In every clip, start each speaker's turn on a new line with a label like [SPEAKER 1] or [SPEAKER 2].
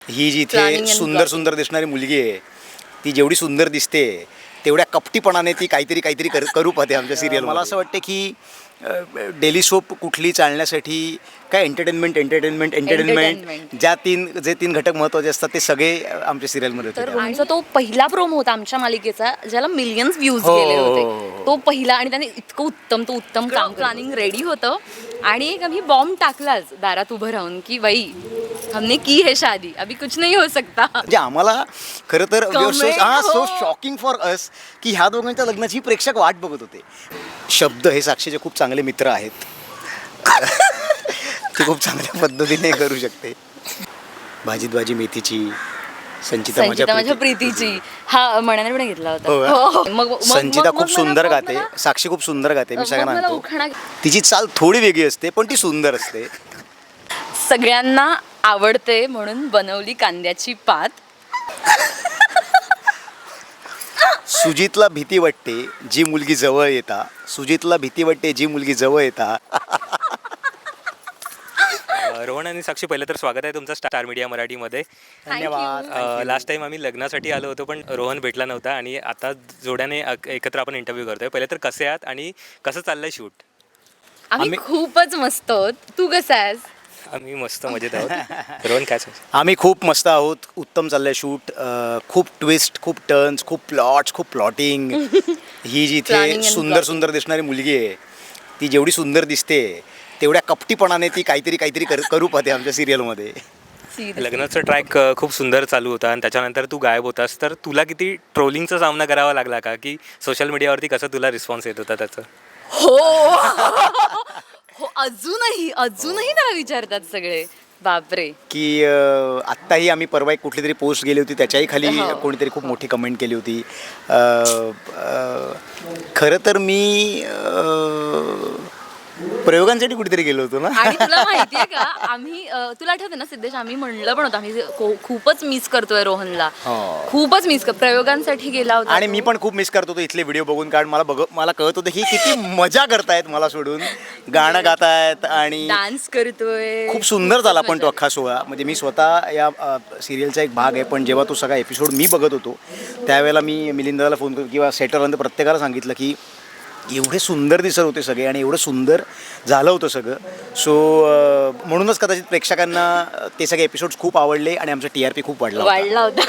[SPEAKER 1] ही जिथे सुंदर सुंदर दिसणारी मुलगी आहे ती जेवढी सुंदर दिसते तेवढ्या कपटीपणाने ती काहीतरी करू पाहते आमच्या सिरियल. मला असं वाटतं की डेली सोप कुठली चालण्यासाठी काय एंटरटेनमेंट जे तीन घटक महत्त्वाचे असतात ते सगळे आमच्या सिरियलमध्ये
[SPEAKER 2] तर
[SPEAKER 1] होते.
[SPEAKER 2] आमचा तो पहिला प्रोमो होता आमच्या मालिकेचा ज्याला मिलियन्स व्ह्यूज गेले होते. तो पहिला आणि त्याने इतकं उत्तम काम प्लॅनिंग रेडी होतं आणि एक आम्ही बॉम्ब टाकलाच दारात उभं राहून की बाई हमने की है शादी अभी कुछ नहीं हो सकता.
[SPEAKER 1] म्हणजे आम्हाला खरं तर सो शॉकिंग फॉर अस की ह्या दोघांच्या लग्नाची प्रेक्षक वाट बघत होते. शब्द हे साक्षीचे खूप चांगले मित्र आहेत. ते खूप चांगल्या पद्धतीने करू शकते. भाजीत भाजी मेथीची संचिता
[SPEAKER 2] माझ्या प्रीतीची हा मनाने पण घेतला होता.
[SPEAKER 1] मग संचिता खूप सुंदर गाते, साक्षी खूप सुंदर गाते. मी सगळ्यांना म्हणतो तिची चाल थोडी वेगळी असते पण ती सुंदर असते.
[SPEAKER 2] सगळ्यांना आवडते म्हणून बनवली कांद्याची पात.
[SPEAKER 1] सुजितला भीती वाटते जी मुलगी जवळ येता.
[SPEAKER 3] रोहन आणि साक्षी, पहिलं तर स्वागत आहे तुमचं स्टार मीडिया मराठीमध्ये.
[SPEAKER 1] धन्यवाद.
[SPEAKER 3] लास्ट टाइम आम्ही लग्नासाठी आलो होतो पण रोहन भेटला नव्हता आणि आता जोड्याने एकत्र आपण इंटरव्ह्यू करतोय. पहिले तर कसे आहात आणि कसं चाललंय शूट?
[SPEAKER 2] आम्ही खूपच मस्त आहोत. तू कसा आहेस?
[SPEAKER 3] आम्ही मस्त मजेत आहोत. रोहन काय सांगशील?
[SPEAKER 1] आम्ही खूप मस्त आहोत. उत्तम चाललंय शूट. खूप ट्विस्ट, खूप टर्न्स, खूप प्लॉट्स, खूप प्लॉटिंग. ही जिथे सुंदर सुंदर दिसणारी मुलगी आहे ती जेवढी सुंदर दिसते तेवढ्या कपटीपणाने ती काहीतरी करू पाहते आमच्या सिरियलमध्ये.
[SPEAKER 3] लग्नाचं ट्रॅक खूप सुंदर चालू होता आणि त्याच्यानंतर तू गायब होतास, तर तुला किती ट्रोलिंगचा सामना करावा लागला का, की सोशल मीडियावरती कसं तुला रिस्पॉन्स येत होता त्याचं?
[SPEAKER 2] हो अजूनही त्याला विचारतात सगळे. बापरे.
[SPEAKER 1] की आत्ताही आम्ही परवा एक कुठली तरी पोस्ट गेली होती त्याच्याही खाली कोणीतरी खूप मोठी कमेंट केली होती. खरं तर मी प्रयोगांसाठी कुठेतरी गेलो होतो ना.
[SPEAKER 2] आणि तुला माहितीये का आम्ही तुला आठवतं ना सिद्धेश, आम्ही म्हणलं पण होतं आम्ही खूपच मिस करतोय रोहनला. खूपच मिस प्रयोगांसाठी गेला होता
[SPEAKER 1] आणि मी पण खूप मिस करत होतो इथले व्हिडिओ बघून. कारण मला कळत होतं की किती मजा करतायत मला सोडून, गाणं गातायत आणि
[SPEAKER 2] डान्स करतोय.
[SPEAKER 1] खूप सुंदर झाला पण तो अख्खा सोहळा. म्हणजे मी स्वतः या सिरियलचा एक भाग आहे पण जेव्हा तो सगळा एपिसोड मी बघत होतो त्यावेळेला मी मिलिंदाला फोन करून किंवा सेटरला प्रत्येकाला सांगितलं की एवढे सुंदर दिसत होते सगळे आणि एवढं सुंदर झालं होतं सगळं. सो म्हणूनच कदाचित प्रेक्षकांना ते सगळे एपिसोड्स खूप आवडले आणि आमचा TRP खूप वाढला
[SPEAKER 2] होता.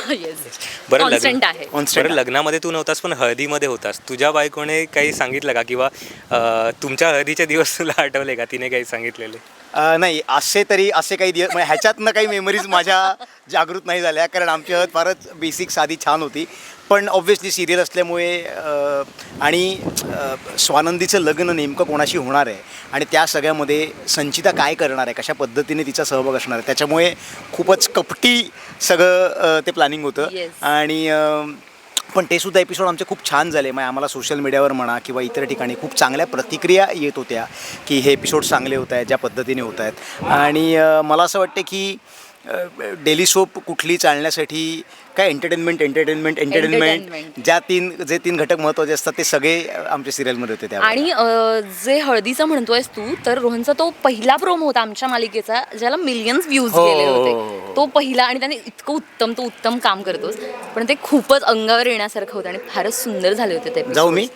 [SPEAKER 3] बरं लग्नामध्ये तू नव्हतास पण हळदीमध्ये होतास. तुझ्या बायकोने काही सांगितलं का, किंवा तुमच्या हळदीचे दिवस तुला आठवले का, तिने काही सांगितलेले?
[SPEAKER 1] नाही, असे काही दिवस म्हणजे ह्याच्यातनं काही मेमरीज माझ्या जागृत नाही झाल्या. कारण आमची हळद फारच बेसिक साधी छान होती. पण ऑब्व्हियसली सिरियल असल्यामुळे आणि स्वानंदीचं लग्न नेमकं कोणाशी होणार आहे आणि त्या सगळ्यामध्ये संचिता काय करणार आहे, कशा पद्धतीने तिचा सहभाग असणार आहे, त्याच्यामुळे खूपच कपटी सगळं ते प्लॅनिंग होतं. आणि पण ते सुद्धा एपिसोड आमचे खूप छान झाले. मग आम्हाला सोशल मीडियावर म्हणा किंवा इतर ठिकाणी खूप चांगल्या प्रतिक्रिया येत होत्या की हे एपिसोड चांगले होत आहेत, ज्या पद्धतीने होत आहेत. आणि मला असं वाटतं की डेली सोप कुठली चालण्यासाठी काय एंटरटेनमेंट जे तीन घटक महत्त्वाचे असतात ते सगळे आमच्या सिरियलमध्ये होते.
[SPEAKER 2] आणि जे हळदीचं म्हणतोयस तू, तर रोहनचा तो पहिला प्रोमो होता आमच्या मालिकेचा ज्याला मिलियन्स व्ह्यूज गेले होते. तो पहिला आणि त्याने इतकं उत्तम काम करतोस पण ते खूपच अंगावर येण्यासारखं होतं आणि फारच सुंदर झाले होते ते.
[SPEAKER 1] जाऊ मी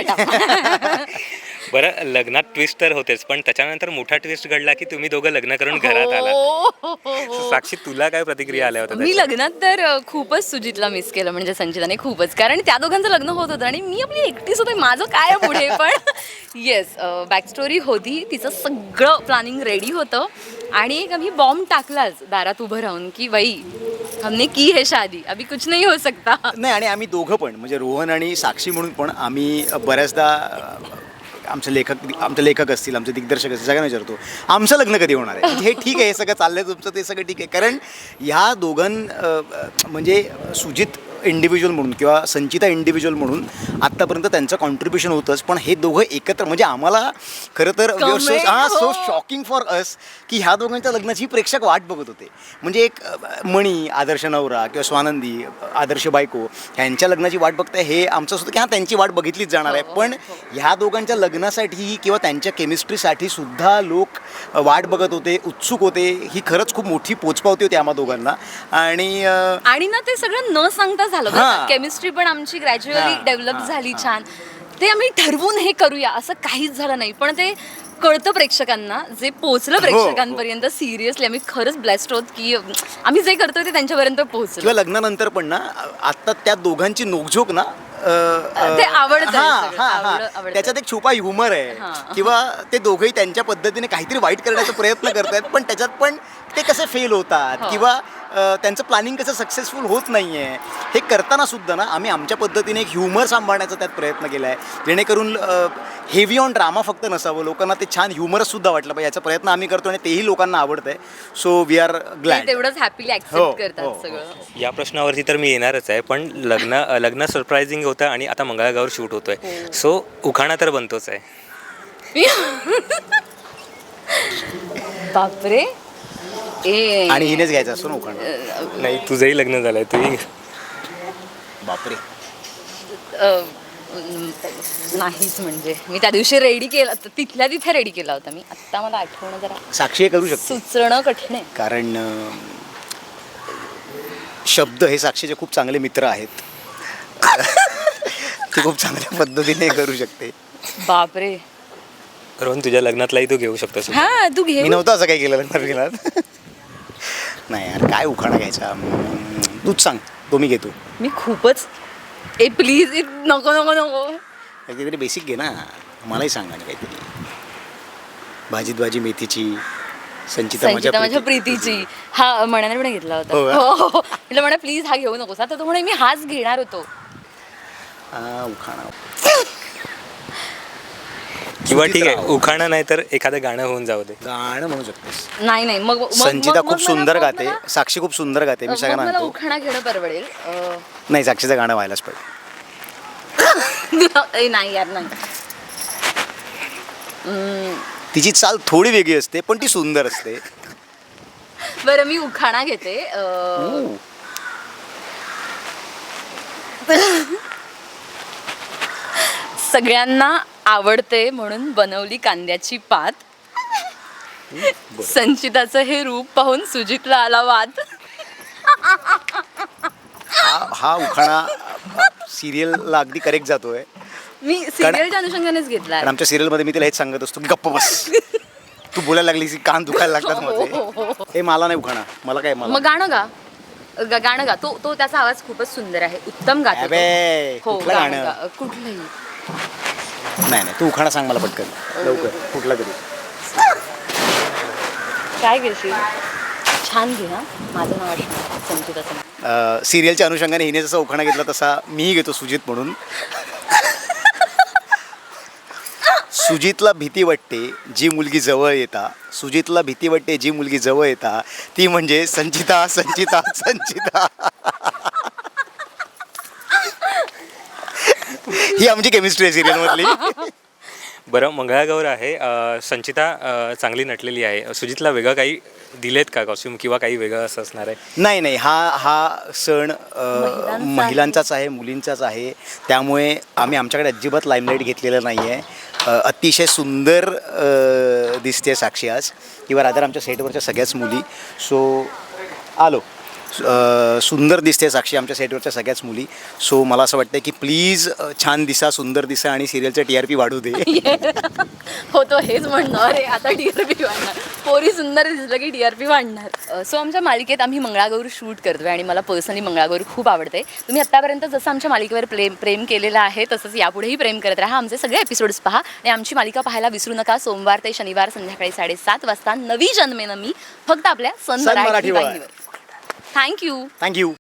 [SPEAKER 3] बरं, लग्नात ट्विस्ट तर होतेच पण त्याच्यानंतर मोठा ट्विस्ट घडला की तुम्ही दोघं लग्न करून घरात आलात. साक्षी, तुला काय प्रतिक्रिया आल्या होत्या?
[SPEAKER 2] मी लग्नात तर खूपच सुजितला मिस केलं, म्हणजे संचिताने खूपच. कारण त्या दोघांचं लग्न होत होतं आणि मी आपली एकटीच होते, माझं काय पुढे. पण येस, बॅक स्टोरी होती, तिचं सगळं प्लॅनिंग रेडी होतं आणि एक आम्ही बॉम्ब टाकलाच दारात उभं राहून की बाई हमने की है शादी अभी कुछ नहीं हो सकता.
[SPEAKER 1] नाही, आणि आम्ही दोघं पण म्हणजे रोहन आणि साक्षी म्हणून पण आम्ही बऱ्याचदा आमचे लेखक असतील, आमचे दिग्दर्शक असतील, सगळ्यांना विचारतो आमचं लग्न कधी होणार आहे. हे ठीक आहे, हे सगळं चाललंय तुमचं, ते सगळं ठीक आहे. कारण ह्या दोघां म्हणजे सुजित इंडिव्हिज्युअल म्हणून किंवा संचिता इंडिव्हिज्युअल म्हणून आत्तापर्यंत त्यांचं कॉन्ट्रीब्युशन होतंच, पण हे दोघं एकत्र म्हणजे आम्हाला खरं तर सो शॉकिंग फॉर अस की ह्या दोघांच्या लग्नाची प्रेक्षक वाट बघत होते. म्हणजे एक मणी आदर्श नवरा किंवा स्वानंदी आदर्श बायको ह्यांच्या लग्नाची वाट बघताय हे आमचं असं होतं की हां त्यांची वाट बघितलीच जाणार आहे, पण ह्या दोघांच्या लग्नासाठी किंवा त्यांच्या केमिस्ट्रीसाठी सुद्धा लोक वाट बघत होते, उत्सुक होते. ही खरंच खूप मोठी पोचपावती होती आम्हा दोघांना.
[SPEAKER 2] आणि ना ते सगळं न सांगता झालं.
[SPEAKER 1] हां.
[SPEAKER 2] केमिस्ट्री पण आमची ग्रॅज्युअली
[SPEAKER 1] हां,
[SPEAKER 2] डेव्हलप
[SPEAKER 1] हां,
[SPEAKER 2] झाली छान. ते आम्ही ठरवून हे करूया असं काहीच झालं नाही, पण ते कळतं प्रेक्षकांना, जे पोहोचलं प्रेक्षकांपर्यंत. सिरियसली आम्ही खरंच ब्लेस्ड आहोत की आम्ही जे करतोय ते त्यांच्यापर्यंत पोहोचलं.
[SPEAKER 1] किंवा लग्नानंतर पण ना आता त्या दोघांची नोकझोक ना
[SPEAKER 2] ते आवडतं
[SPEAKER 1] हां,
[SPEAKER 2] सगळं.
[SPEAKER 1] हां, हां.
[SPEAKER 2] आवडतं.
[SPEAKER 1] त्याच्यात एक छुपा ह्युमर आहे किंवा ते दोघंही त्यांच्या पद्धतीने काहीतरी वाईट करण्याचा प्रयत्न करतायत, पण त्याच्यात पण ते कसे फेल होतात किंवा त्यांचं प्लॅनिंग कसं सक्सेसफुल होत नाही आहे हे करताना सुद्धा ना आम्ही आमच्या पद्धतीने एक ह्युमर सांभाळण्याचा त्यात प्रयत्न केला आहे, जेणेकरून हेवी ऑन ड्रामा फक्त नसावं, लोकांना ते छान ह्युमरच सुद्धा वाटलं पाहिजे. याचा प्रयत्न आम्ही करतो आणि तेही लोकांना आवडतं आहे. सो वी आर
[SPEAKER 2] ते
[SPEAKER 1] ग्लॅड.
[SPEAKER 2] तेवढंच हॅपीली ऍक्सेप्ट करतात सगळं.
[SPEAKER 3] या प्रश्नावरती तर मी येणारच आहे, पण लग्न सरप्रायझिंग होतं आणि आता मंगळागौर शूट होतोय, सो उखाणा तर बनतोच आहे.
[SPEAKER 2] बापरे.
[SPEAKER 1] आणि हिनेच घ्यायचं असतो ना उखाणा.
[SPEAKER 3] नाही, तुझंही लग्न झालंय, तुही.
[SPEAKER 1] बापरे.
[SPEAKER 2] नाहीच म्हणजे मी त्या दिवशी रेडी केला, तिथल्या तिथे रेडी केला होता मी. आत्ता मला आठवणं जरा
[SPEAKER 1] साक्षी हे करू शकतो
[SPEAKER 2] सुचणं कठीण आहे.
[SPEAKER 1] कारण शब्द हे साक्षीचे खूप चांगले मित्र आहेत. ती खूप चांगल्या पद्धतीने करू शकते.
[SPEAKER 2] बापरे.
[SPEAKER 3] रोहन, तुझ्या लग्नातलाही तू घेऊ शकतोस.
[SPEAKER 2] हा तू घे.
[SPEAKER 1] मी नव्हतं असं काही केलं लग्नात. नाही यार, काय उखाणा घ्यायचा, तूच सांग. तो मी घेतो.
[SPEAKER 2] मी खूपच प्लीज नको नको नको.
[SPEAKER 1] काहीतरी बेसिक घे ना, मलाही सांग आणि काहीतरी. भाजीत भाजी मेथीची, संचिता
[SPEAKER 2] माझ्या प्रीतीची. हा मनाने पण घेतला होता.
[SPEAKER 1] हो का?
[SPEAKER 2] हो. तिला म्हणा प्लीज हा घेऊ नकोस. आता तो म्हणे मी हाच घेणार होतो.
[SPEAKER 1] उखाणा
[SPEAKER 3] किंवा ठीक आहे, उखाणा नाही तर एखादं गाणं होऊन जाऊ दे.
[SPEAKER 1] गाणं म्हणू शकतेस.
[SPEAKER 2] नाही नाही मग
[SPEAKER 1] संचिता खूप सुंदर गाते, साक्षी खूप सुंदर गाते. मी सगळ्यांना
[SPEAKER 2] मला
[SPEAKER 1] म्हणतो
[SPEAKER 2] उखाणा घेणं परवडेल.
[SPEAKER 1] नाही, साक्षीचं गाणं व्हायलाच पाहिजे.
[SPEAKER 2] नाही यार नाही.
[SPEAKER 1] तिची चाल थोडी वेगळी असते पण ती सुंदर असते.
[SPEAKER 2] बरं मी उखाणा घेते. सगळ्यांना आवडते म्हणून बनवली कांद्याची पात. संचिताचं हे रूप पाहून सुजितला आला वाद.
[SPEAKER 1] हा उखाणा सिरियलला अगदी करेक्ट जातोय.
[SPEAKER 2] मी सिरियलच्या अनुषंगानेच घेतला.
[SPEAKER 1] आणि आमच्या सिरियलमध्ये मी तिला हेच सांगत असतो, गप्प बस, तू बोलायला लागलीस की कान दुखायला लागतात माझे. हे मला नाही उखाणा, मला काय. मला
[SPEAKER 2] मग गाणं गा. तो त्याचा आवाज खूपच सुंदर आहे, उत्तम गातो तो. हो
[SPEAKER 1] कुठलं गाणं?
[SPEAKER 2] गाणं कुठलंही.
[SPEAKER 1] नाही तू उखाणा सांग मला पटकन लवकर, कुठला तरी.
[SPEAKER 2] काय घेशील? छान घे. हा माझं नाव आठवण, संचिताचं.
[SPEAKER 1] सिरियलच्या अनुषंगाने हिने जसा उखाणा घेतला तसा मीही घेतो सुजित म्हणून. सुजितला भीती वाटते जी मुलगी जवळ येता, सुजितला भीती वाटते जी मुलगी जवळ येता, ती म्हणजे संचिता संचिता संचिता. ही आमची केमिस्ट्री आहे सिरियलमधली.
[SPEAKER 3] बरं, मंगळागौर आहे, संचिता चांगली नटलेली आहे, सुजितला वेगळं काही दिलेत का कॉस्ट्युम किंवा काही वेगळं असं असणार आहे?
[SPEAKER 1] नाही, हा सण महिलांचाच आहे, मुलींचाच आहे. त्यामुळे आम्ही आमच्याकडे अजिबात लाईमलाईट घेतलेलं नाही आहे. अतिशय सुंदर दिसते साक्षी आज, किंवा रादर आमच्या सेटवरच्या सगळ्याच मुली. सो सुंदर दिसते साक्षी आमच्या सेटवरच्या सगळ्याच मुली. सो मला असं वाटतं की प्लीज छान दिसा, सुंदर दिसा आणि सिरियलचं TRP वाढू दे.
[SPEAKER 2] हो, तो हेच म्हणणार आहे आता, TRP वाढणार. पोरी सुंदर दिसलं की TRP वाढणार. सो आमच्या मालिकेत आम्ही मंगळागौर शूट करतोय आणि मला पर्सनली मंगळागौर खूप आवडते. तुम्ही आत्तापर्यंत जसं आमच्या मालिकेवर प्रेम केलेलं आहे तसंच यापुढेही प्रेम करत राहा. आमचे सगळे एपिसोड्स पहा आणि आमची मालिका पाहायला विसरू नका. सोमवार ते शनिवार संध्याकाळी 7:30 वाजता नवी जन्मेनं मी, फक्त आपल्या सन मराठी वाहिनीवर. थँक्यू.